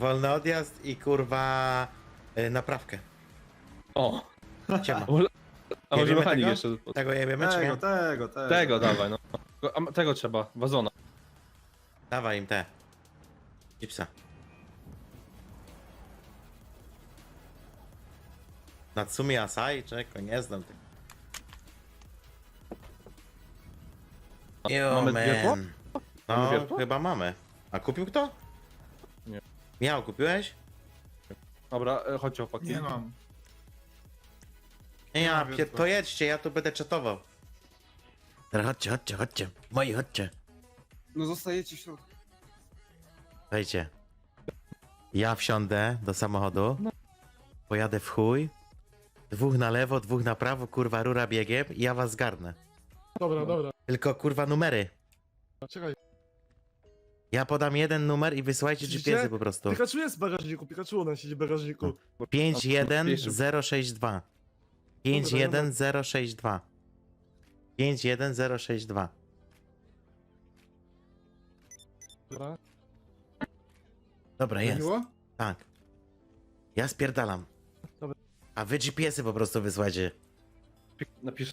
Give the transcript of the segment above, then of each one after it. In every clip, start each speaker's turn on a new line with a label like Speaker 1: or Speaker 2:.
Speaker 1: wolny odjazd i kurwa naprawkę.
Speaker 2: O,
Speaker 1: Siema.
Speaker 2: a może
Speaker 1: Jebiemy
Speaker 2: mechanik
Speaker 1: tego?
Speaker 2: jeszcze.
Speaker 1: Tego jebiemy, czy nie?
Speaker 2: Tego dawaj, no. Tego trzeba, wazona.
Speaker 1: Dawaj im te. Chipsa. Natsumi Asai? Czeko, nie znam tego. Yo,
Speaker 2: Mamy wiertło?
Speaker 1: man.
Speaker 2: Mamy
Speaker 1: No,
Speaker 2: wiertło?
Speaker 1: chyba mamy. A kupił kto?
Speaker 2: Nie.
Speaker 1: Miał, kupiłeś?
Speaker 2: Dobra, chodźcie chłopaki.
Speaker 3: Nie mam.
Speaker 1: Nie, ja,
Speaker 3: mam wiertła.
Speaker 1: to jedźcie, ja tu będę czatował. Dobra, chodźcie. Moi, chodźcie.
Speaker 3: No zostajecie w środku.
Speaker 1: Wejdźcie. Ja wsiądę do samochodu. Pojadę w chuj. 2 na lewo, 2 na prawo, kurwa rura biegiem i ja was zgarnę.
Speaker 4: Dobra.
Speaker 1: Tylko kurwa numery.
Speaker 4: Czekaj.
Speaker 1: Ja podam jeden numer i wysyłajcie
Speaker 4: Widzicie?
Speaker 1: GPS-y po prostu.
Speaker 4: Pikachu jest w bagażniku, Pikachu u nas siedzi w bagażniku.
Speaker 1: 51062. 51062. 51062.
Speaker 4: Dobra.
Speaker 1: Dobra, jest.
Speaker 3: Miło?
Speaker 1: Tak. Ja spierdalam.
Speaker 4: Dobra.
Speaker 1: A wy GPS-y po prostu wysłajcie.
Speaker 2: Napiszę.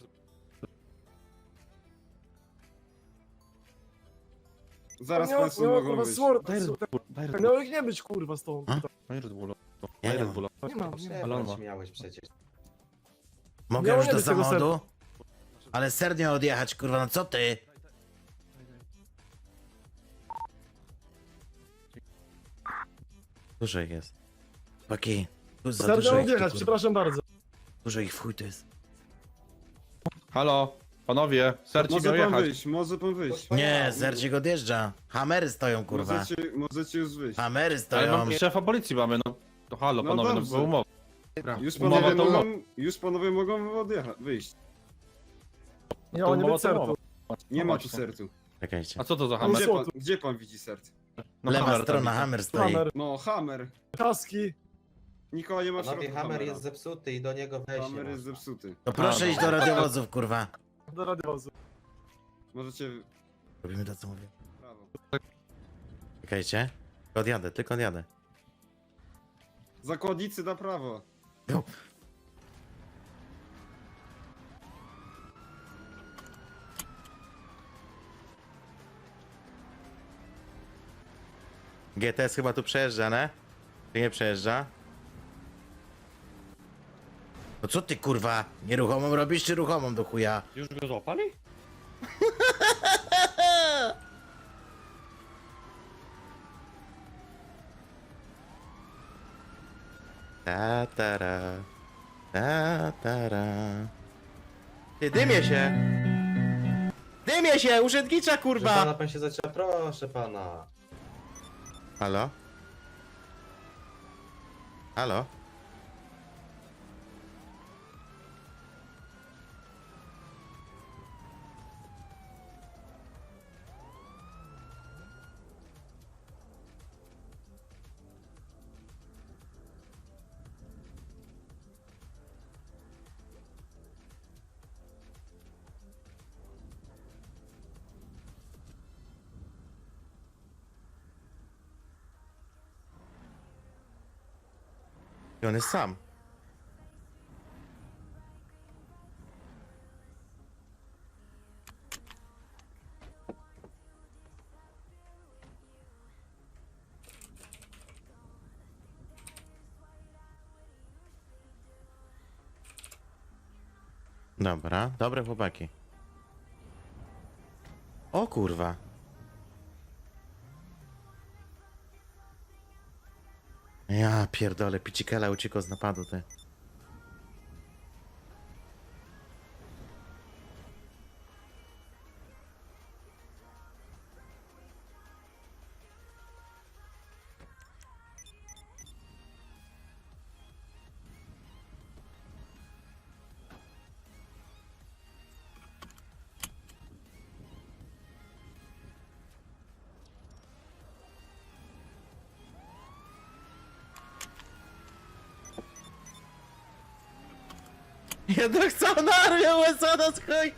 Speaker 3: Zaraz
Speaker 4: Miało-
Speaker 3: państwo
Speaker 4: miało,
Speaker 3: mogą
Speaker 4: kurwa,
Speaker 3: wyjść.
Speaker 4: sword.
Speaker 2: Daj Red Bull.
Speaker 4: Miało ich nie być kurwa stąd.
Speaker 1: A?
Speaker 2: Daj Red Bulla.
Speaker 1: Ja
Speaker 2: Daj
Speaker 1: nie
Speaker 2: Red
Speaker 1: mam.
Speaker 2: Bulla.
Speaker 4: Nie mam.
Speaker 2: Ale on ma.
Speaker 5: miałeś przecież.
Speaker 1: Mogę
Speaker 4: Miało
Speaker 1: już
Speaker 4: nie
Speaker 1: do
Speaker 4: być tego
Speaker 1: samochodu? Ale sernie odjechać, kurwa, no co ty? Dużo ich jest. Paki, tu za
Speaker 4: Serdecznie
Speaker 1: dużo ich, tu,
Speaker 4: odjechać,
Speaker 1: kurwa.
Speaker 4: przepraszam bardzo.
Speaker 1: Dużo ich w chuj tu jest.
Speaker 2: Halo, panowie, serci
Speaker 3: Może
Speaker 2: miał
Speaker 3: pan
Speaker 2: jechać.
Speaker 3: wyjść, może pan wyjść.
Speaker 1: Nie, Zercik odjeżdża. Hamery stoją, kurwa.
Speaker 3: Możecie już wyjść.
Speaker 1: Hamery
Speaker 2: Ale
Speaker 1: stoją.
Speaker 2: mam szefa policji mamy, no. To halo,
Speaker 3: No
Speaker 2: panowie, no
Speaker 3: dobrze.
Speaker 2: była umowa.
Speaker 3: Już
Speaker 2: to
Speaker 3: już panowie mogą odjechać, wyjść.
Speaker 4: Miało nie
Speaker 2: umowa
Speaker 4: być
Speaker 2: to
Speaker 4: sertu.
Speaker 2: umowa.
Speaker 3: Nie
Speaker 2: No
Speaker 3: ma tu
Speaker 2: właśnie.
Speaker 3: sercu.
Speaker 1: Czekajcie.
Speaker 2: A co to za
Speaker 4: Hammer?
Speaker 2: hammer?
Speaker 3: Gdzie pan widzi serce?
Speaker 2: No,
Speaker 1: Lewa
Speaker 2: hammer tam
Speaker 1: strona,
Speaker 2: widzę.
Speaker 1: Hammer stoi.
Speaker 4: Hammer,
Speaker 3: No, Hammer.
Speaker 4: kaski.
Speaker 3: Nikogo nie ma w
Speaker 5: Panowie,
Speaker 3: środku
Speaker 5: Hammer
Speaker 3: Hammera.
Speaker 5: jest zepsuty i do niego wejść nie
Speaker 3: Hammer jest
Speaker 5: można.
Speaker 3: zepsuty.
Speaker 1: To proszę
Speaker 2: A, no.
Speaker 1: iść do radiowozów, kurwa.
Speaker 4: Do radiowozu.
Speaker 3: Możecie...
Speaker 1: Robimy to, co mówię.
Speaker 3: Prawo.
Speaker 1: Czekajcie. Tylko odjadę.
Speaker 3: Zakładnicy na prawo.
Speaker 1: Jo. GTS chyba tu przejeżdża, ne? Czy nie przejeżdża? No co ty, kurwa? Nieruchomą robisz, czy ruchomą do chuja?
Speaker 2: Już go złapali?
Speaker 1: Ta-tara. Ta-tara. Ty, dymie się! Dymie się! Urzędnicza,
Speaker 5: Proszę
Speaker 1: kurwa!
Speaker 5: pana, pan się zaczyna, proszę pana.
Speaker 1: Halo? Halo? I on jest sam. Dobra, dobre chłopaki. O kurwa. Ja pierdolę, Picikela uciekł z napadu, ty. Jednak chcą na armię USA na chuj!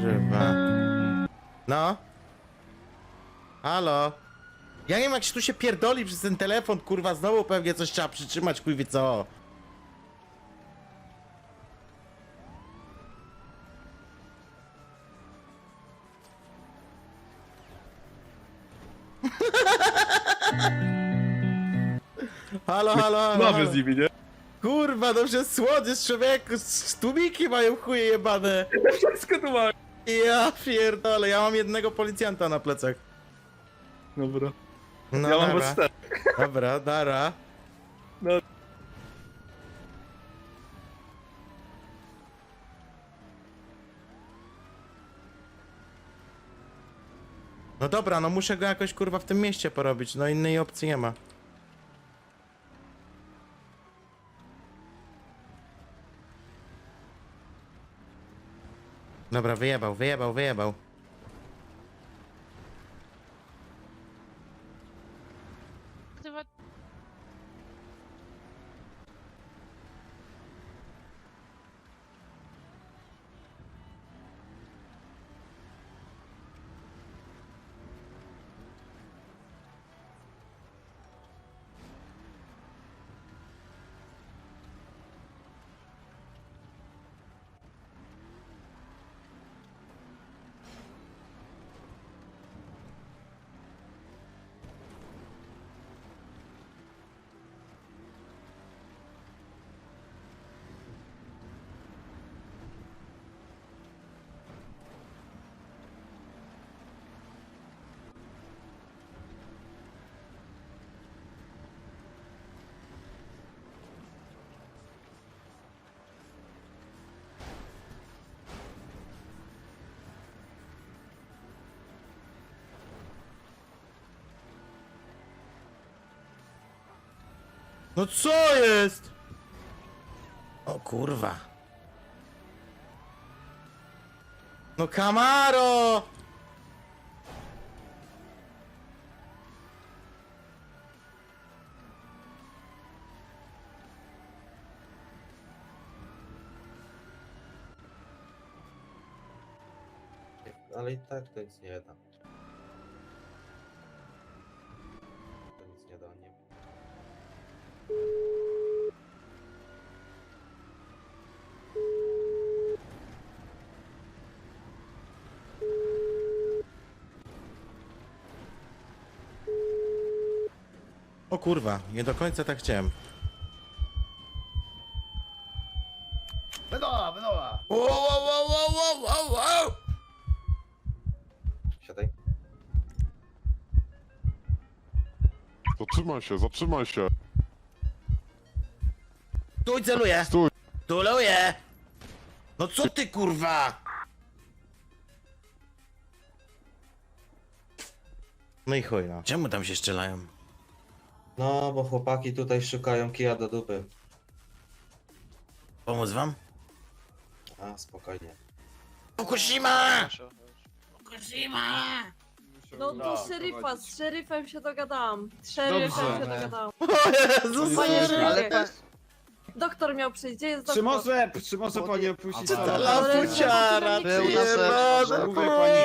Speaker 1: kurwa. No? Halo? Ja nie wiem, jak się tu się pierdoli przez ten telefon, kurwa, znowu pewnie coś trzeba przytrzymać, chuj wie co. Halo, halo, halo.
Speaker 2: Mamy
Speaker 1: halo.
Speaker 2: z nimi, nie?
Speaker 1: Kurwa, no przez słodziesz, człowieku, tłumiki mają chuje jebane.
Speaker 2: Wszystko tu mamy.
Speaker 1: Ja pierdolę, ja mam jednego policjanta na plecach.
Speaker 2: Dobra.
Speaker 1: No
Speaker 2: Ja mam
Speaker 1: dobra.
Speaker 2: was 4.
Speaker 1: Dobra, dara.
Speaker 2: No.
Speaker 1: No dobra, no muszę go jakoś kurwa w tym mieście porobić, no innej opcji nie ma. Dobra, wyjebał, wyjebał, wyjebał. No co jest? O kurwa. No Camaro!
Speaker 5: Ale i tak to nic nie da. To nic nie da, nie.
Speaker 1: O kurwa, nie do końca tak chciałem.
Speaker 6: Wydoła, wydoła!
Speaker 1: Wow, wow, wow, wow, wow, wow.
Speaker 5: Siadaj.
Speaker 7: Zatrzymaj się, zatrzymaj się.
Speaker 1: Stój, celuję!
Speaker 7: Stój.
Speaker 1: Celuję! No co ty kurwa? No i chuj no. Czemu tam się strzelają?
Speaker 5: No, bo chłopaki tutaj szukają kija do dupy.
Speaker 1: Pomóc wam?
Speaker 5: A, spokojnie.
Speaker 1: Fukushima! Fukushima!
Speaker 8: No do szeryfa, z szeryfem się dogadałam. Z szeryfem
Speaker 3: Dobrze.
Speaker 8: się dogadałam.
Speaker 1: O Jezus
Speaker 8: Panie
Speaker 1: Maria!
Speaker 8: szeryfie,
Speaker 6: pan...
Speaker 8: doktor miał przyjść, gdzie jest
Speaker 3: Czy
Speaker 8: doktor?
Speaker 3: może pani opuścić
Speaker 6: A,
Speaker 1: Ta
Speaker 3: salę?
Speaker 1: lapuciara,
Speaker 8: Był
Speaker 1: ty
Speaker 8: na
Speaker 1: jebana,
Speaker 3: Mówię pani,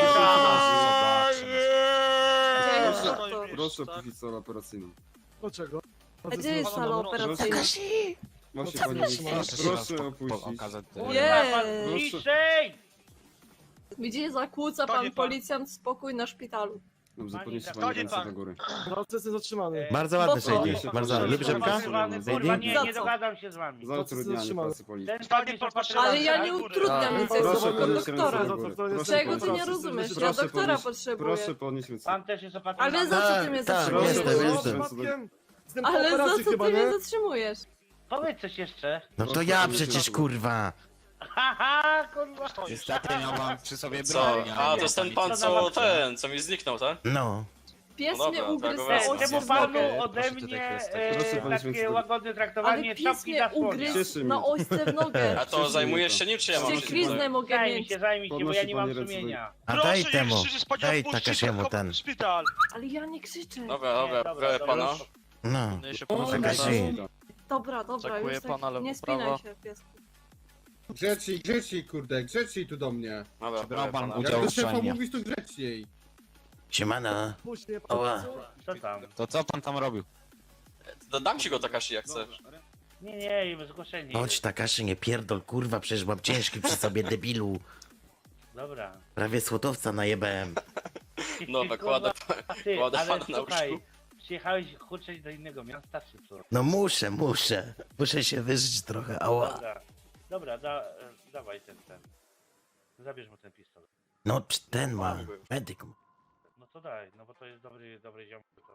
Speaker 8: Gdzie jest
Speaker 3: Proszę.
Speaker 8: doktor?
Speaker 3: Proszę opuścić salę operacyjną.
Speaker 4: Dlaczego?
Speaker 8: A gdzie jest sala operacyjna?
Speaker 3: Właśnie
Speaker 4: Co
Speaker 3: pani,
Speaker 4: zatrzymasz?
Speaker 3: proszę opuścić.
Speaker 8: Jej!
Speaker 3: Proszę.
Speaker 8: Gdzie zakłóca pan policjant spokój na szpitalu?
Speaker 3: Dobrze, podnieście pani ręce do góry.
Speaker 4: Proces jest zatrzymany.
Speaker 1: Bardzo ładny
Speaker 8: Bo co?
Speaker 1: Shady, bardzo ładny. Lubisz rzepka?
Speaker 9: Kurwa, nie,
Speaker 8: Za
Speaker 9: nie
Speaker 8: co?
Speaker 9: dogadam się z wami.
Speaker 3: Za utrudnianie pracy policji.
Speaker 9: Ten pan jest opatrzony.
Speaker 8: Ale ja nie utrudniam nic, ja
Speaker 3: Proszę
Speaker 8: jestem tylko
Speaker 3: podnieść ręce
Speaker 8: doktora.
Speaker 3: do góry. Proszę
Speaker 8: Czego ty
Speaker 3: podnieść-
Speaker 8: nie rozumiesz? Ja
Speaker 3: Proszę
Speaker 8: doktora
Speaker 3: podnieść-
Speaker 8: potrzebuję.
Speaker 3: Proszę podnieść ręce.
Speaker 9: Pan też jest opatrzony.
Speaker 8: Ale za co ty mnie
Speaker 1: Tak,
Speaker 8: zatrzymujesz?
Speaker 1: jestem,
Speaker 3: Proszę
Speaker 1: jestem.
Speaker 3: podnieść ręce
Speaker 4: Jestem po
Speaker 8: Ale za
Speaker 4: operacji
Speaker 8: co
Speaker 4: chyba,
Speaker 8: ty mnie
Speaker 4: nie?
Speaker 8: zatrzymujesz?
Speaker 9: Powiedz coś jeszcze.
Speaker 1: No to ja przecież kurwa.
Speaker 9: Haha, kurwa.
Speaker 6: Niestety miał pan przy sobie
Speaker 10: Co?
Speaker 6: broń.
Speaker 10: A, to jest ten pan, co ten, co mi zniknął, tak?
Speaker 1: No.
Speaker 8: Pies
Speaker 10: No
Speaker 8: mnie
Speaker 10: dobra,
Speaker 8: ugryzł
Speaker 10: tak,
Speaker 8: na
Speaker 10: wezmę.
Speaker 8: ośce
Speaker 9: Czemu
Speaker 8: w
Speaker 9: panu
Speaker 8: nogę.
Speaker 9: ode
Speaker 6: Proszę tutaj
Speaker 9: mnie
Speaker 6: kwestię.
Speaker 3: Proszę podnieść
Speaker 9: takie
Speaker 3: ręce.
Speaker 9: łagodne
Speaker 8: Ale
Speaker 9: traktowanie
Speaker 8: pies
Speaker 9: czapki
Speaker 8: mnie
Speaker 9: na słonie?
Speaker 8: ugryzł
Speaker 3: Cieszy
Speaker 8: na
Speaker 3: mnie.
Speaker 8: ośce w nogę.
Speaker 10: A to zajmujesz się nim, czy ja mam się
Speaker 8: Ściekliznę mogę
Speaker 9: Zajmij
Speaker 8: mieć.
Speaker 9: się, bo ja
Speaker 3: Podnosi
Speaker 9: nie mam
Speaker 3: pani ręce do
Speaker 9: sumienia.
Speaker 1: A daj temu, daj Takashiemu ten.
Speaker 8: Ale ja nie krzyczę.
Speaker 10: Dobra,
Speaker 9: Nie,
Speaker 10: dobra,
Speaker 9: dobra,
Speaker 10: proszę pana.
Speaker 1: No.
Speaker 8: O,
Speaker 1: Takashi.
Speaker 8: Dobra, dobra,
Speaker 10: Oczekuję
Speaker 8: już tak
Speaker 10: pana lewo,
Speaker 8: nie spinaj
Speaker 10: prawo.
Speaker 8: się, piesku.
Speaker 3: Grzeczniej, kurde, grzeczniej tu do mnie.
Speaker 10: Dobra,
Speaker 6: Brał pan
Speaker 10: pana.
Speaker 6: udział.
Speaker 3: Jak do
Speaker 6: Udział
Speaker 3: szefa
Speaker 6: uczenia.
Speaker 3: mówisz, to grzeczniej.
Speaker 1: Siemano.
Speaker 4: Puść mnie,
Speaker 1: Oła.
Speaker 9: Co tam?
Speaker 6: To co pan tam robił?
Speaker 10: Dam ci go Takashi jak chcesz.
Speaker 9: Nie, zgłoszenie.
Speaker 1: Chodź Takashi, nie pierdol, kurwa, przecież mam ciężki przy sobie, debilu.
Speaker 9: Dobra.
Speaker 1: Prawie słotowca najebałem.
Speaker 10: No, kładę,
Speaker 9: Ty,
Speaker 10: kładę
Speaker 9: ale
Speaker 10: pana na
Speaker 9: słuchaj,
Speaker 10: łóżku.
Speaker 9: przyjechałeś kurczeć do innego miasta, czy co?
Speaker 1: No muszę. Muszę się wyżyć trochę, ała.
Speaker 9: Dobra, dawaj ten. Zabierz mu ten pistolet.
Speaker 1: No, ten ma. Medyk.
Speaker 9: No to daj, no bo to jest dobry ziom. To.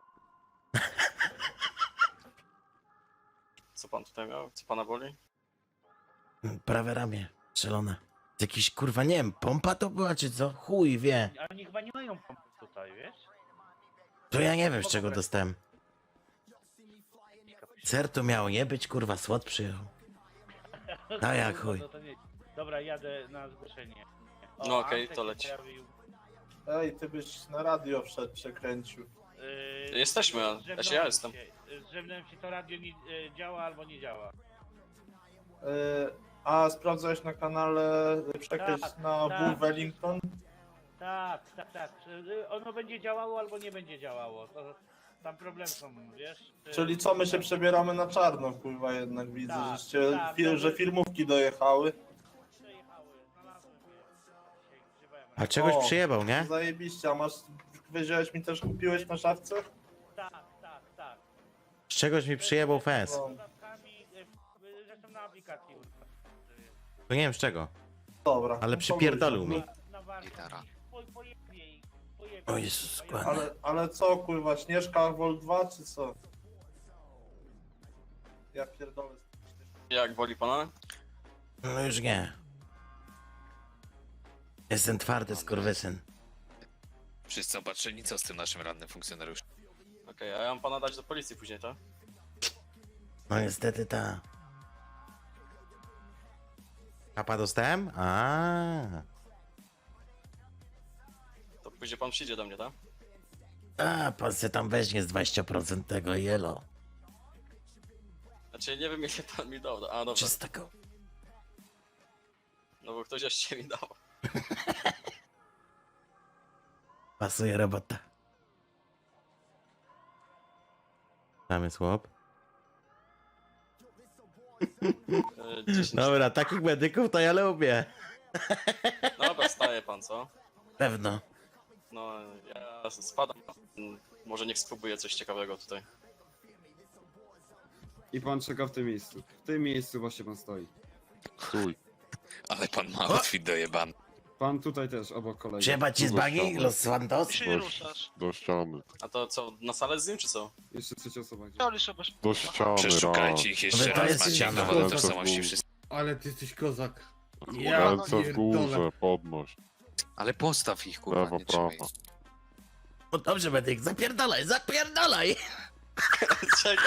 Speaker 10: Co pan tutaj miał? Co pana boli?
Speaker 1: Prawe ramię, strzelone. Jakiś, kurwa, nie wiem, pompa to była, czy co? Chuj wie.
Speaker 9: A oni chyba nie mają pompy tutaj, wiesz?
Speaker 1: To ja nie wiem, z czego dostałem. Ser to miało nie być, kurwa, słod przyjechał. A jak chuj.
Speaker 9: No to nie. Dobra, jadę na zgłoszenie.
Speaker 10: No okej,
Speaker 9: Antek
Speaker 10: to
Speaker 9: się
Speaker 10: leć.
Speaker 9: pojawił.
Speaker 7: Ej, ty byś na radio wszedł, przekręcił.
Speaker 10: Jesteśmy,
Speaker 9: z
Speaker 10: ja
Speaker 9: zewnątrz
Speaker 10: jestem.
Speaker 9: Z zewnątrz ci to radio nie, działa albo nie działa.
Speaker 7: A sprawdzałeś na kanale przekryć
Speaker 9: Tak,
Speaker 7: na
Speaker 9: tak.
Speaker 7: Bull Wellington?
Speaker 9: Tak. Ono będzie działało albo nie będzie działało. Tam problem są, wiesz?
Speaker 7: Czyli co, my się przebieramy na czarno, kurwa, jednak widzę,
Speaker 9: Tak,
Speaker 7: żeście,
Speaker 9: tak,
Speaker 7: że
Speaker 9: to-
Speaker 7: firmówki dojechały.
Speaker 9: Przejechały, znalazłem je. Dzisiaj grzebałem.
Speaker 1: A czegoś
Speaker 7: O.
Speaker 1: przyjebał, nie?
Speaker 7: Zajebiście, a masz, wiedziałeś mi też, kupiłeś na szafce?
Speaker 9: Tak.
Speaker 1: Z czegoś mi przyjebał fez.
Speaker 7: No,
Speaker 9: Dodatkami, zresztą na aplikacji.
Speaker 1: To nie wiem z czego.
Speaker 7: dobra.
Speaker 1: Ale
Speaker 7: no
Speaker 1: przypierdolił
Speaker 7: powiedz,
Speaker 1: mi.
Speaker 9: Na warsztat.
Speaker 6: Gitara.
Speaker 9: Pojebie ich.
Speaker 1: O Jezus,
Speaker 7: no.
Speaker 1: składnie.
Speaker 7: Ale co, kurwa, Śnieżka Vol 2, czy co? Ja pierdolę.
Speaker 10: Jak boli pana?
Speaker 1: No już nie. Jestem twardy, skurwysyn.
Speaker 6: Wszyscy opatrzeni, co z tym naszym rannym funkcjonariuszem?
Speaker 10: Okej, a ja mam pana dać do policji później, tak?
Speaker 1: No niestety ta. Kapa dostałem?
Speaker 10: To później pan przyjdzie do mnie, tak?
Speaker 1: Pan se tam weźmie z 20% tego jelo.
Speaker 10: Znaczy nie wiem ile pan mi dał. A dobrze,
Speaker 1: Czystego.
Speaker 10: no bo ktoś jeszcze mi dał.
Speaker 1: Pasuje robota. Tam jest chłop.
Speaker 10: 10.
Speaker 1: Dobra, takich medyków to ja lubię.
Speaker 10: Dobra, staje pan, co?
Speaker 1: Pewno.
Speaker 10: No, ja spadam. Może niech spróbuję coś ciekawego tutaj.
Speaker 3: I pan czeka w tym miejscu. W tym miejscu właśnie pan stoi.
Speaker 6: Chuj. Ale pan ma outfit dojebany.
Speaker 3: Pan tutaj też, obok kolegi.
Speaker 1: Trzeba ci z bagi, Los Santos?
Speaker 11: Do ściany.
Speaker 10: A to co, na salę z nim czy co?
Speaker 3: Jeszcze trzecia osoba. Gdzie?
Speaker 11: Do ściany, raz.
Speaker 6: Przeszukajcie ich jeszcze
Speaker 1: Ale to
Speaker 6: raz,
Speaker 1: jest
Speaker 6: macie
Speaker 1: ściana.
Speaker 6: dowody
Speaker 11: Ręce w
Speaker 6: tożsamości
Speaker 11: górę.
Speaker 6: wszystkich.
Speaker 3: Ale ty jesteś kozak.
Speaker 11: Ręce w górze, podnoś.
Speaker 6: Ale postaw ich, kurwa,
Speaker 11: Lewo,
Speaker 6: nie trzymaj.
Speaker 11: prawo.
Speaker 1: No dobrze, medyk, zapierdalaj, zapierdalaj!
Speaker 10: Czekaj,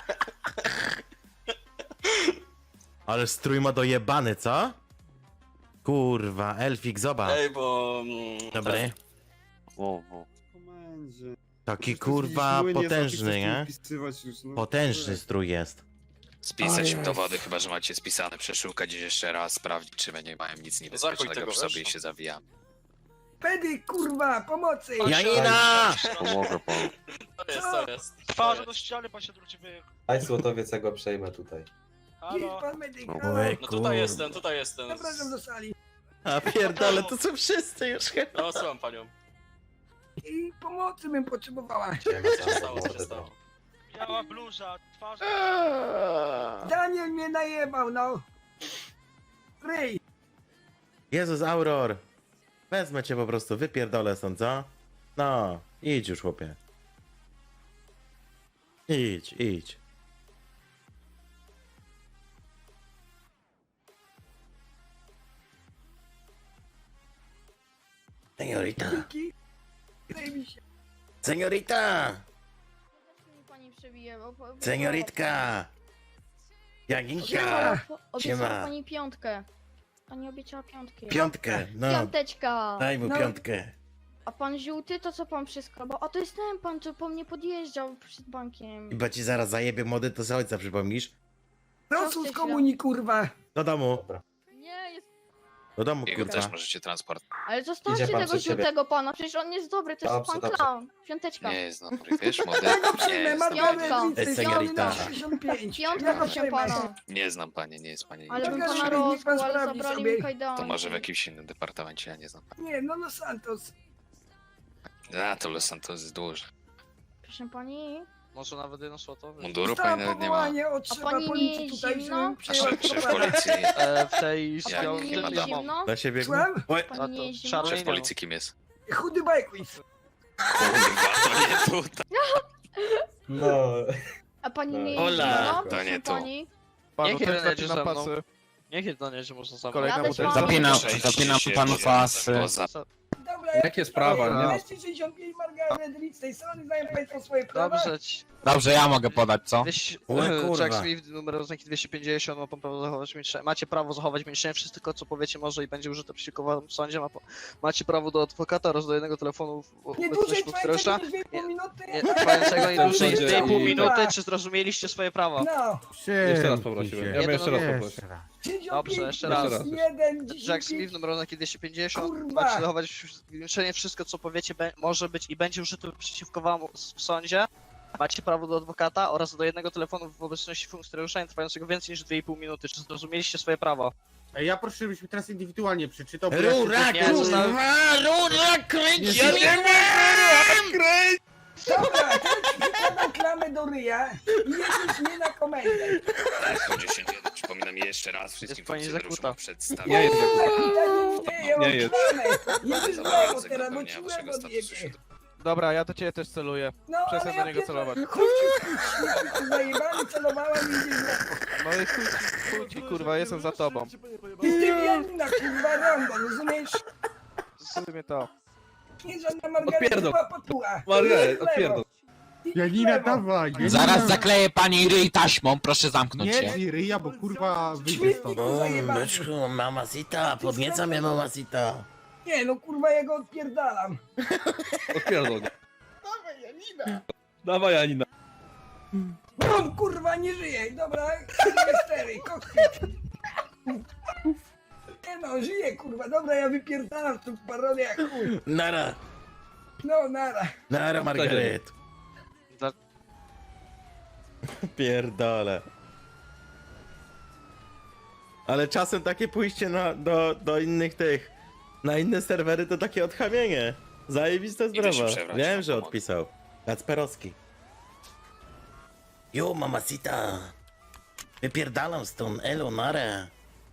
Speaker 1: Ale strój ma dojebany, co? Kurwa, Elfik, zobacz.
Speaker 10: Ej, bo...
Speaker 1: Dobry.
Speaker 11: O, o.
Speaker 3: Komendzie.
Speaker 1: Taki
Speaker 3: Przecież to jest
Speaker 1: kurwa
Speaker 3: jakiś młyn, jest,
Speaker 1: potężny,
Speaker 3: napisy
Speaker 1: nie?
Speaker 3: wpisywać już, no.
Speaker 1: Potężny strój jest.
Speaker 6: Spisać im dowody, chyba że macie spisane, przeszukać ich jeszcze raz, sprawdzić, czy nie mają nic
Speaker 10: Zakuj
Speaker 6: niebezpiecznego
Speaker 10: tego,
Speaker 6: przy sobie
Speaker 10: wiesz?
Speaker 6: i się zawijamy.
Speaker 4: Pedy, kurwa, pomocy!
Speaker 1: Janina!
Speaker 11: Pomogę panu.
Speaker 10: To jest.
Speaker 9: Twarze do ściany, pan się odwróci, wy...
Speaker 5: Aj Złotowiec, ja go przejmę tutaj.
Speaker 4: Jest pan medyk,
Speaker 11: No,
Speaker 4: halo?
Speaker 1: Oj,
Speaker 10: No
Speaker 1: kurwa.
Speaker 10: tutaj jestem.
Speaker 4: Zapraszam do sali.
Speaker 1: A pierdolę, to są wszyscy już chyba.
Speaker 10: No, słucham panią.
Speaker 4: I pomocy bym potrzebowała.
Speaker 10: Co się stało, co się stało?
Speaker 9: Biała bluza, twarz...
Speaker 4: Daniel mnie najebał, no. Ryj.
Speaker 1: Jezus, Auror. Wezmę cię po prostu, wypierdolę stąd, co? No, idź już, chłopie. Idź. Seniorita,
Speaker 4: Dzięki. Ryj mi się.
Speaker 1: seniorita,
Speaker 8: Pani przebije, bo...
Speaker 1: senioritka. Jaginka,
Speaker 8: Siema. Obiecała
Speaker 1: Siema.
Speaker 8: pani piątkę. Pani obiecała piątkę.
Speaker 1: piątkę, no,
Speaker 8: Piąteczka.
Speaker 1: daj mu
Speaker 4: No.
Speaker 1: piątkę.
Speaker 8: A pan żółty, to co pan przyskrobał? A to jest ten pan, co po mnie podjeżdżał przed bankiem.
Speaker 1: Chyba ci zaraz zajebie młody, to z ojca przypomnisz.
Speaker 4: Proszę z komunii, kurwa.
Speaker 1: Do domu.
Speaker 5: Dobra.
Speaker 8: Nie,
Speaker 1: Do domu,
Speaker 6: Jego
Speaker 1: kurwa.
Speaker 6: też możecie transport.
Speaker 8: Ale zostawcie
Speaker 5: Idzie pan
Speaker 8: tego
Speaker 5: przed siebie.
Speaker 8: żółtego pana, przecież on jest dobry, to jest
Speaker 5: Dobrze,
Speaker 8: pan
Speaker 5: dobrze.
Speaker 8: clown. Piąteczka.
Speaker 6: Nie jest dobry, wiesz, młody?
Speaker 4: Ja go
Speaker 6: Nie
Speaker 4: przyjmę,
Speaker 6: jest dobry.
Speaker 4: Margaret
Speaker 1: Ej, seniorita.
Speaker 4: 65.
Speaker 8: Piątka,
Speaker 4: Ja go
Speaker 8: proszę
Speaker 4: przyjmę.
Speaker 8: pana.
Speaker 6: Nie znam panie, nie jest pani.
Speaker 8: Ale bym
Speaker 4: Pokaż
Speaker 8: pana
Speaker 4: mi, niech pan
Speaker 8: rozkłał, ale
Speaker 4: sprawdzi
Speaker 8: zabrali
Speaker 4: sobie.
Speaker 8: mi kajdany.
Speaker 6: To może w jakimś innym departamencie, ja nie znam pani.
Speaker 4: Nie, no Los Santos.
Speaker 6: A, to Los Santos jest duży.
Speaker 8: Proszę pani.
Speaker 10: Może nawet jedno złotowe.
Speaker 6: Munduru
Speaker 4: Dostałam
Speaker 6: pani nawet nie ma.
Speaker 4: powołanie od
Speaker 8: A
Speaker 4: szefa
Speaker 8: pani
Speaker 4: policji
Speaker 8: nie
Speaker 4: tutaj,
Speaker 8: zimno?
Speaker 4: żebym
Speaker 6: A
Speaker 4: przejęła
Speaker 6: szef
Speaker 4: propagandę.
Speaker 6: policji,
Speaker 10: W tej
Speaker 8: A
Speaker 6: Ja
Speaker 8: pani
Speaker 6: nie
Speaker 8: nie
Speaker 6: ma
Speaker 8: jest
Speaker 6: domu.
Speaker 8: zimno?
Speaker 1: Na siebie.
Speaker 4: Słucham?
Speaker 1: Oj,
Speaker 8: Pani nie jest zimno?
Speaker 10: czarny-
Speaker 6: szef policji kim jest?
Speaker 4: Chudy Bajquist.
Speaker 6: Kurwa, to nie tutaj.
Speaker 5: No.
Speaker 8: A pani nie jest
Speaker 1: Ola,
Speaker 8: zimno?
Speaker 6: to
Speaker 8: Proszę
Speaker 6: nie tu.
Speaker 8: pani.
Speaker 10: Niech jeden jedzie ze mną. Niech jeden jedzie może ze mną.
Speaker 8: Jadę z panem.
Speaker 6: Zapinam panu pasy.
Speaker 4: Dobra,
Speaker 2: Jakie sprawa, nie?
Speaker 4: 265 Margaret Reed z tej strony, znają państwo swoje prawa?
Speaker 10: Dobrze,
Speaker 11: ja mogę podać, co?
Speaker 1: O kurwa.
Speaker 10: Jack Smith, numer oznaki 250, ma pan prawo zachować milczenie. Macie prawo zachować milczenie, wszystko co powiecie może i będzie użyte przeciwko wam w sądzie. Macie prawo do adwokata oraz do jednego telefonu w
Speaker 4: Nie dłużej
Speaker 10: obecności
Speaker 4: trwającego
Speaker 10: funkcjonariusza.
Speaker 4: niż 2,5 minuty.
Speaker 10: Nie, trwającego nie dłużej niż 2,5
Speaker 4: Kurwa.
Speaker 10: minuty, czy zrozumieliście swoje prawa?
Speaker 4: No,
Speaker 2: Jeszcze raz poprosiłem. Ja bym jeszcze raz poprosił.
Speaker 4: 65
Speaker 10: Dobrze, jeszcze
Speaker 2: raz.
Speaker 4: plus 1,
Speaker 10: Jack
Speaker 4: 10,
Speaker 10: Smith, numer oznaki 250,
Speaker 4: Kurwa.
Speaker 10: macie zachować milczenie, wszystko co powiecie może być i będzie użyte przeciwko wam w sądzie. Macie prawo do adwokata oraz do jednego telefonu w obecności funkcjonariusza nie trwającego więcej niż 2,5 minuty. Czy zrozumieliście swoje prawa?
Speaker 3: Ja proszę, żebyś mi teraz indywidualnie przeczytał.
Speaker 1: Rura,
Speaker 10: Nie, zostałem-
Speaker 1: kurwa, rura, kręć, ja nie
Speaker 4: Dobra, to ci wykładam klamę do ryja i jedziesz mnie na komendę.
Speaker 6: Po 10 przypominam jeszcze raz wszystkim
Speaker 10: pani
Speaker 6: funkcjonariuszom
Speaker 10: zakuta.
Speaker 6: o przedstawieniu.
Speaker 2: Nie jest
Speaker 4: Ja mam
Speaker 2: Nie jest.
Speaker 4: klamę. Jedziesz
Speaker 6: Za
Speaker 4: w lewo
Speaker 6: obowiązek
Speaker 4: teraz, bo
Speaker 6: dopełnienia
Speaker 4: ci
Speaker 6: waszego
Speaker 4: łeb
Speaker 6: statusu
Speaker 4: odjebie.
Speaker 6: się
Speaker 9: Dobra, ja do ciebie też celuję.
Speaker 4: No,
Speaker 9: Przestań
Speaker 4: ale
Speaker 9: do
Speaker 4: ja
Speaker 9: niego
Speaker 4: pierdolę.
Speaker 9: celować.
Speaker 4: Chodź ci śmieci, zajebany, celowałem i idziesz w lewo.
Speaker 9: No i chuj ci, kurwa, jestem za tobą.
Speaker 4: Jestem jedna, kurwa, rondo, rozumiesz?
Speaker 9: Zrozumie to.
Speaker 4: Nie żadna Margareta
Speaker 2: Odpierdol.
Speaker 4: patuła.
Speaker 2: Margaret, odpierdol.
Speaker 3: Janina, dawaj!
Speaker 11: Zaraz zakleję pani ryj taśmą, proszę zamknąć się.
Speaker 3: Nie, ryja, bo kurwa wyjdzie
Speaker 4: Śmietniku
Speaker 3: stąd.
Speaker 4: zajebany.
Speaker 1: Byczku, mamacita, podnieca mnie mamacita.
Speaker 4: Nie, no kurwa, ja go odpierdalam.
Speaker 2: Odpierdol.
Speaker 4: Dawaj, Janina.
Speaker 2: Dawaj, Anina.
Speaker 4: Bum, kurwa, nie żyje. Dobra, 4, kokpit. Nie no, żyje, kurwa. Dobra, ja wypierdalam w tą parodię jak chuj.
Speaker 1: Nara,
Speaker 4: No, nara.
Speaker 1: nara, Margaret.
Speaker 10: Dla-
Speaker 1: Pierdole. Ale czasem takie pójście do innych tych, na inne serwery to takie odchamienie. Zajebista
Speaker 6: Idę się
Speaker 1: sprawa.
Speaker 6: przebrać,
Speaker 1: Wiem,
Speaker 6: mam
Speaker 1: że
Speaker 6: pomoc.
Speaker 1: odpisał. Kacperowski. Jo, mamacita. Wypierdalam stąd, elo, nara.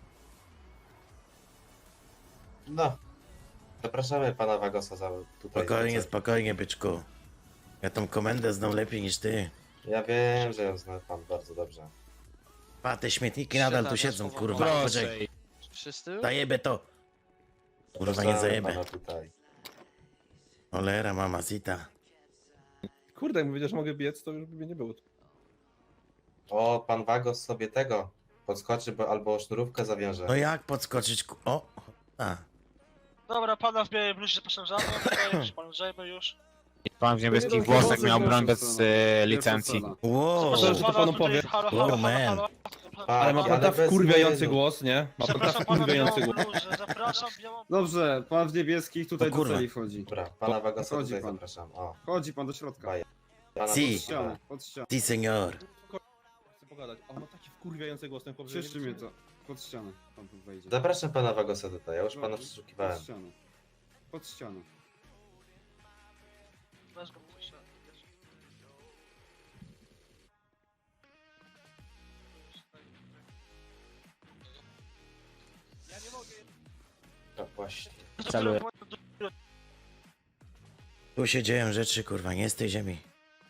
Speaker 5: No. Zapraszamy pana Wagosa za tutaj.
Speaker 1: Spokojnie, spokojnie, byczku. Ja tą komendę znam lepiej niż ty.
Speaker 5: Ja wiem, że ją zna pan bardzo dobrze.
Speaker 1: A te śmietniki nadal tu siedzą, kurwa. Poczekaj,
Speaker 10: Wszyscy?
Speaker 1: zajebę to. Kurwa, nie
Speaker 5: Zapraszamy
Speaker 1: zajebę.
Speaker 5: pana tutaj.
Speaker 1: Olera, mamacita.
Speaker 2: Kurde, jak powiedział, że mogę biec, to już by mnie nie było.
Speaker 5: O, pan Wagos sobie tego podskoczy, bo albo sznurówkę zawiąże.
Speaker 1: No jak podskoczyć, o, a.
Speaker 10: Dobra, pana w białej bluzie zapraszam za mną, już pan zajmę już.
Speaker 11: Pan w niebieskich włosach miał broń bez licencji.
Speaker 1: Wow,
Speaker 2: Proszę, że to panu powiem.
Speaker 1: wow, man.
Speaker 2: Ale ma pan tak
Speaker 5: bez
Speaker 2: wkurwiający
Speaker 5: wstydu.
Speaker 2: głos, nie? Ma pan tak wkurwiający głos.
Speaker 10: Zapraszam białą
Speaker 3: Dobrze, pan w niebieskich tutaj
Speaker 1: O kurwa.
Speaker 3: do celi wchodzi.
Speaker 5: Dobra, pana Wagosa
Speaker 3: Chodzi
Speaker 5: tutaj
Speaker 3: pan.
Speaker 5: zapraszam. O,
Speaker 3: Chodzi pan do środka.
Speaker 5: pana
Speaker 1: Si.
Speaker 3: Pod ścianę, pod ścianę.
Speaker 1: Si, senor.
Speaker 2: Chcę pogadać. On ma taki wkurwiający głos, ten chłop, że
Speaker 3: Cieszczy
Speaker 2: nie
Speaker 3: mnie
Speaker 2: wiem,
Speaker 3: to. Pod ścianę pan tu wejdzie.
Speaker 5: Zapraszam pana Wagosa tutaj, ja już pana
Speaker 3: Pod
Speaker 5: przeszukiwałem.
Speaker 3: ścianę. Pod ścianę.
Speaker 5: Tak właśnie.
Speaker 11: Celuję.
Speaker 1: Tu się dzieją rzeczy, kurwa, nie z tej ziemi.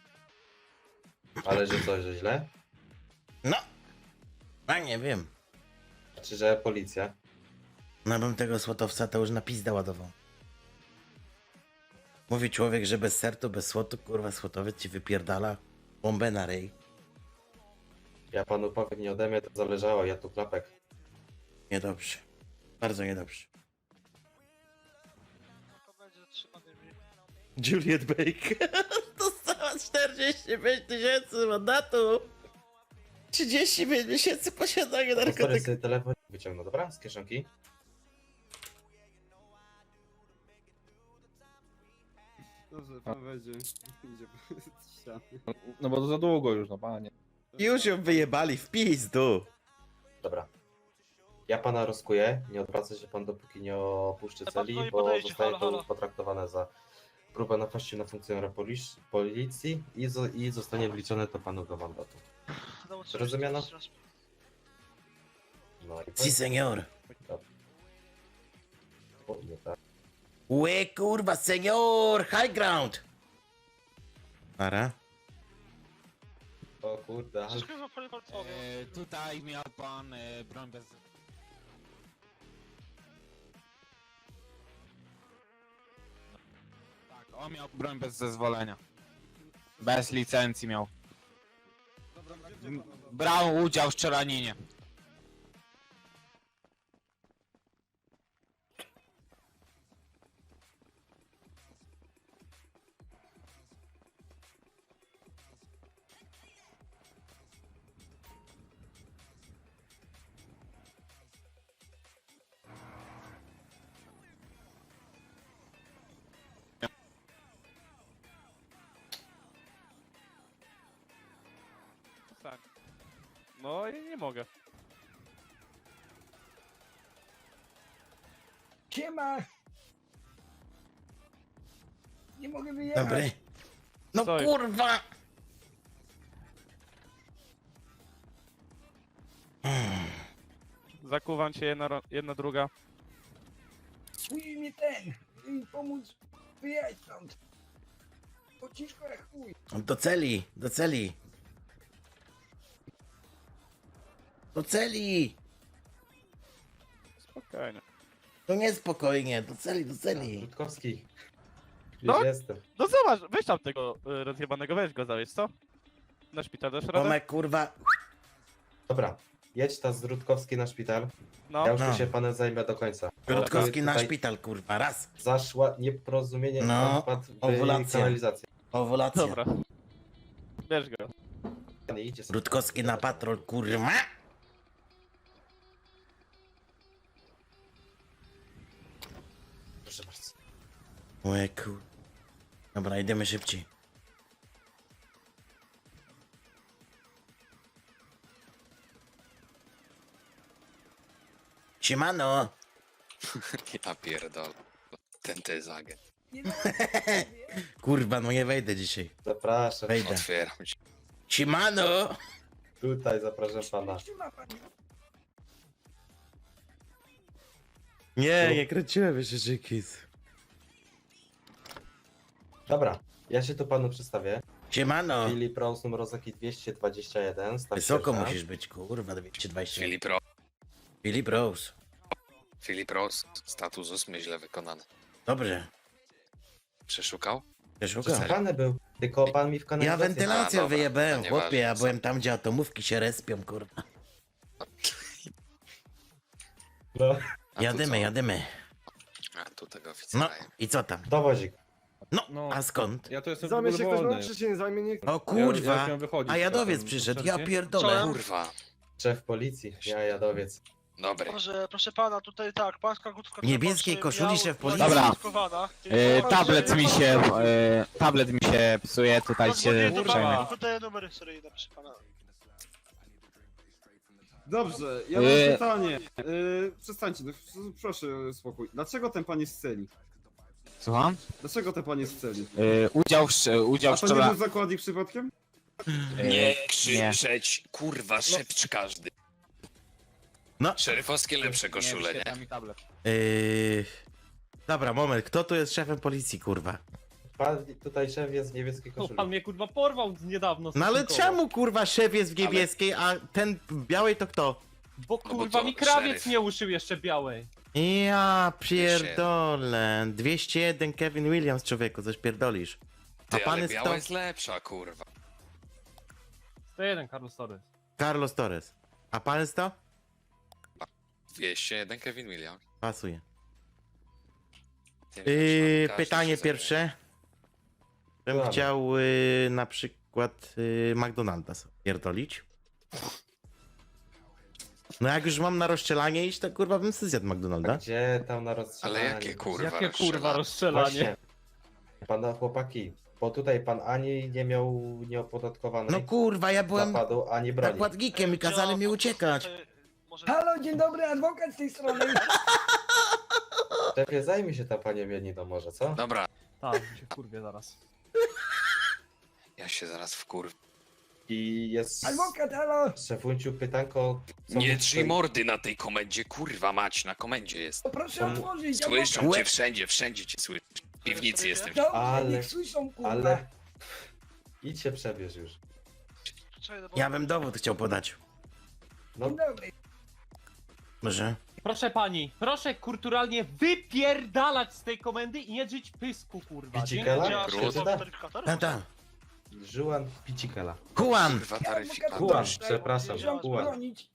Speaker 5: Ale że co, że źle?
Speaker 1: No, a nie wiem.
Speaker 5: Czy że policja?
Speaker 1: No bym tego słotowca to już na pizdę ładował. Mówi człowiek, że bez sertu, bez słotu, kurwa, słotowiec ci wypierdala bombę na ryj.
Speaker 5: Ja panu powiem, nie ode mnie to zależało, ja tu klapek.
Speaker 1: Niedobrze. Bardzo niedobrze. Juliet Baker dostała 45 000 mandatu. 35 miesięcy posiadania
Speaker 5: Stary
Speaker 1: narkotyków.
Speaker 5: sobie telefon wyciągnął, dobra? Z kieszonki.
Speaker 3: Dobrze, pan wejdzie. Idzie pod ścianę.
Speaker 2: No bo to za długo już, no panie.
Speaker 1: Już ją wyjebali w pizdu.
Speaker 5: Dobra. Ja pana rozkuję, nie odwraca się pan dopóki nie opuszczy
Speaker 10: Pan
Speaker 5: celi,
Speaker 10: stoi,
Speaker 5: bo
Speaker 10: podejdzie,
Speaker 5: zostaje
Speaker 10: halo,
Speaker 5: to
Speaker 10: halo.
Speaker 5: potraktowane za próbę napaści na funkcjonariusza policji i zostanie wliczone to panu do mandatu. Zrozumiano? No i
Speaker 1: Si, senior.
Speaker 5: O, nie tak.
Speaker 1: Łe, kurwa, senior! High ground! Ara?
Speaker 5: O kurde, ale...
Speaker 11: Tutaj miał pan broń bez... Tak, on miał broń bez zezwolenia. Bez licencji miał. Brał udział w strzelaninie.
Speaker 9: Tak. No i nie mogę.
Speaker 4: Siema! Nie mogę wyjechać.
Speaker 1: Dobry. No
Speaker 9: Co jest?
Speaker 1: kurwa!
Speaker 9: Zakuwam cię jedna druga.
Speaker 4: Musi mi ten, pomóc wyjechać stąd. Bo ciężko jak chuj.
Speaker 1: Do celi, do celi. Do celi!
Speaker 9: Spokojnie.
Speaker 1: To nie spokojnie, do celi, do celi.
Speaker 5: Rutkowski. Już
Speaker 9: No.
Speaker 5: jestem.
Speaker 9: No zobacz, weź tam tego rozjebanego, weź go zawieź, co? Na szpital dasz radę?
Speaker 1: Tomek, kurwa.
Speaker 5: Dobra, jedź ta z Rutkowski na szpital.
Speaker 9: No.
Speaker 5: Ja już
Speaker 1: No.
Speaker 5: tu się panem zajmę do końca.
Speaker 1: Rutkowski na
Speaker 5: Tutaj
Speaker 1: szpital, kurwa, raz.
Speaker 5: Zaszła nieporozumienie,
Speaker 1: No,
Speaker 5: pan wpadł w
Speaker 1: owulacja.
Speaker 5: kanalizację.
Speaker 1: Owulacja.
Speaker 9: Dobra. Bierz go.
Speaker 5: Nie idzie sobie.
Speaker 1: Rutkowski na patrol, kurwa.
Speaker 5: Proszę bardzo.
Speaker 1: Łe, kur... Dobra, idziemy szybciej. Siemano!
Speaker 6: Ja pierdolę. Ten to jest agent.
Speaker 4: Nie da
Speaker 1: Kurwa, no nie wejdę dzisiaj.
Speaker 5: Zapraszam.
Speaker 1: Wejdę.
Speaker 6: Otwieram ci.
Speaker 1: Siemano!
Speaker 5: Tutaj zapraszam pana.
Speaker 4: Trzyma pan.
Speaker 1: Nie, nie kręciłem jeszcze Jackies.
Speaker 5: Dobra, ja się tu panu przedstawię.
Speaker 1: Siemano!
Speaker 5: Filip Rose, numer Ozaki 221. staw
Speaker 1: Wysoko
Speaker 5: sierżant.
Speaker 1: musisz być, kurwa, 220.
Speaker 6: Filip
Speaker 1: Rose.
Speaker 6: Filip Rose. Status 8 źle wykonany.
Speaker 1: Dobrze.
Speaker 6: Przeszukał?
Speaker 1: Przeszukam.
Speaker 5: Przesłuchany był, tylko pan mi w
Speaker 1: Ja
Speaker 5: kanalizację...
Speaker 1: wentylację
Speaker 6: A, dobra,
Speaker 1: wyjebałem,
Speaker 6: to
Speaker 1: chłopie, ja
Speaker 6: nieważne.
Speaker 1: byłem tam, gdzie atomówki się respią, kurwa.
Speaker 5: No.
Speaker 6: A tu
Speaker 1: Jadymy,
Speaker 6: co?
Speaker 1: jadymy.
Speaker 6: A tu tego
Speaker 1: No,
Speaker 6: oficera.
Speaker 1: i co tam?
Speaker 5: Dowozik.
Speaker 1: No,
Speaker 2: No.
Speaker 1: a skąd?
Speaker 2: Ja to jestem
Speaker 3: Zajmie się ktoś
Speaker 2: wolny.
Speaker 3: mną, czy się nie zajmie nikt?
Speaker 1: O
Speaker 2: Ja
Speaker 1: kurwa,
Speaker 2: chciałem wychodzić
Speaker 1: a jadowiec
Speaker 2: czasem,
Speaker 1: przyszedł, ja
Speaker 2: przerwie.
Speaker 1: pierdolę.
Speaker 6: Kurwa.
Speaker 5: Szef policji, ja jadowiec.
Speaker 6: Dobry.
Speaker 10: Proszę pana, tutaj tak, pańska krótka
Speaker 1: W niebieskiej koszuli szef policji.
Speaker 11: Dobra.
Speaker 10: Dobra.
Speaker 11: Tablet mi się psuje, tutaj się przejmę.
Speaker 10: Podaję numery seryjne, proszę pana.
Speaker 3: Dobrze, ja mam pytanie. Przestańcie, no, proszę spokój. Dlaczego ten pan jest w celi?
Speaker 11: Słucham?
Speaker 3: Dlaczego ten pan jest w celi?
Speaker 11: Udział
Speaker 3: A
Speaker 11: w
Speaker 3: to nie był zakładnik przypadkiem?
Speaker 6: Nie krzyczeć, kurwa, szepcz każdy.
Speaker 1: No.
Speaker 6: Szeryfowskie lepsze koszule, nie?
Speaker 1: Dobra, moment, kto tu jest szefem policji, kurwa?
Speaker 5: Pan tutaj szef jest w niebieskiej koszuli.
Speaker 2: mnie kurwa porwał niedawno.
Speaker 1: No ale czemu, kurwa, szef jest w niebieskiej, a ten w białej to kto?
Speaker 2: Bo
Speaker 6: kurwa, mi krawiec
Speaker 2: nie uszył jeszcze białej.
Speaker 1: Ja pierdolę. 201 Kevin Williams, człowieku, coś pierdolisz. A
Speaker 6: Ty,
Speaker 1: pan
Speaker 6: ale
Speaker 1: jest
Speaker 6: biała
Speaker 1: to?
Speaker 6: jest lepsza, kurwa.
Speaker 2: 101 Carlos Torres.
Speaker 1: Carlos Torres. A pan jest to?
Speaker 6: 201 Kevin Williams.
Speaker 1: Pasuje.
Speaker 6: Ty, każdy
Speaker 1: Pytanie
Speaker 6: się
Speaker 1: pierwsze. Bym
Speaker 5: Słuchamy.
Speaker 1: chciał na przykład McDonalda sobie pierdolić. No jak już mam na rozstrzelanie iść, to kurwa bym sobie zjadł
Speaker 5: A
Speaker 1: McDonalda.
Speaker 5: gdzie tam na rozstrzelanie?
Speaker 6: Ale jakie kurwa
Speaker 2: Jakie kurwa
Speaker 6: rozstrzelanie?
Speaker 2: rozstrzelanie?
Speaker 5: Właśnie. Pana chłopaki, bo tutaj pan ani nie miał nieopodatkowanej
Speaker 1: No kurwa, ja byłem
Speaker 5: napadu, ani broni.
Speaker 1: nakładnikiem i kazali mi uciekać.
Speaker 4: Halo, dzień dobry, adwokat z tej strony.
Speaker 5: Szefie, zajmie się ta panią Janiną może, co?
Speaker 6: Dobra,
Speaker 2: Tak, się kurwie zaraz.
Speaker 6: ja się zaraz wkurw...
Speaker 5: I jest...
Speaker 4: Adwokat, halo.
Speaker 5: Szefunciu, pytanko... co
Speaker 6: Nie
Speaker 5: mu
Speaker 6: drzyj
Speaker 5: tutaj-
Speaker 6: mordy na tej komendzie, kurwa mać, na komendzie jest.
Speaker 4: To proszę
Speaker 5: Tam-
Speaker 4: otworzyć.
Speaker 6: Słyszą
Speaker 4: adwokat.
Speaker 6: cię wszędzie, wszędzie cię słyszą. W piwnicy jestem.
Speaker 4: Dobrze,
Speaker 5: Ale-
Speaker 4: niech słyszą, kurwa.
Speaker 5: Ale... Idź się przebierz już.
Speaker 1: Ja bym dowód chciał podać.
Speaker 5: No,
Speaker 4: Dzień dobry.
Speaker 1: Może?
Speaker 2: Proszę pani, proszę kulturalnie wypierdalać z tej komendy i nie drzeć pysku, kurwa.
Speaker 5: Picikela? Przeczyta?
Speaker 1: Tata.
Speaker 5: Juan Picikela.
Speaker 1: Juan!
Speaker 6: Kurwa, taryfikator.
Speaker 5: Juan, przepraszam,
Speaker 4: Muszę
Speaker 5: Juan.
Speaker 4: bronić.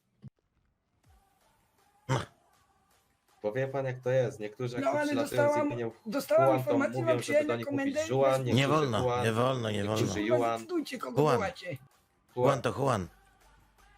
Speaker 5: Bo wie pan jak to jest, niektórzy jak
Speaker 4: No,
Speaker 5: tu
Speaker 4: ale
Speaker 5: przylatują z
Speaker 4: dostałam-
Speaker 5: opinią
Speaker 4: Dostałam
Speaker 5: Juan, to
Speaker 4: informację,
Speaker 5: mówią,
Speaker 4: mam
Speaker 5: żeby
Speaker 4: przyjechać
Speaker 5: do
Speaker 4: na
Speaker 5: nich
Speaker 4: komendę.
Speaker 5: mówić Juan,
Speaker 1: Nie
Speaker 5: niektórzy
Speaker 1: wolno,
Speaker 5: Juan,
Speaker 1: nie wolno, nie wolno.
Speaker 5: niektórzy
Speaker 4: Kurwa,
Speaker 5: Juan.
Speaker 4: zdecydujcie, kogo
Speaker 1: Juan.
Speaker 4: wołacie.
Speaker 1: Juan to Juan.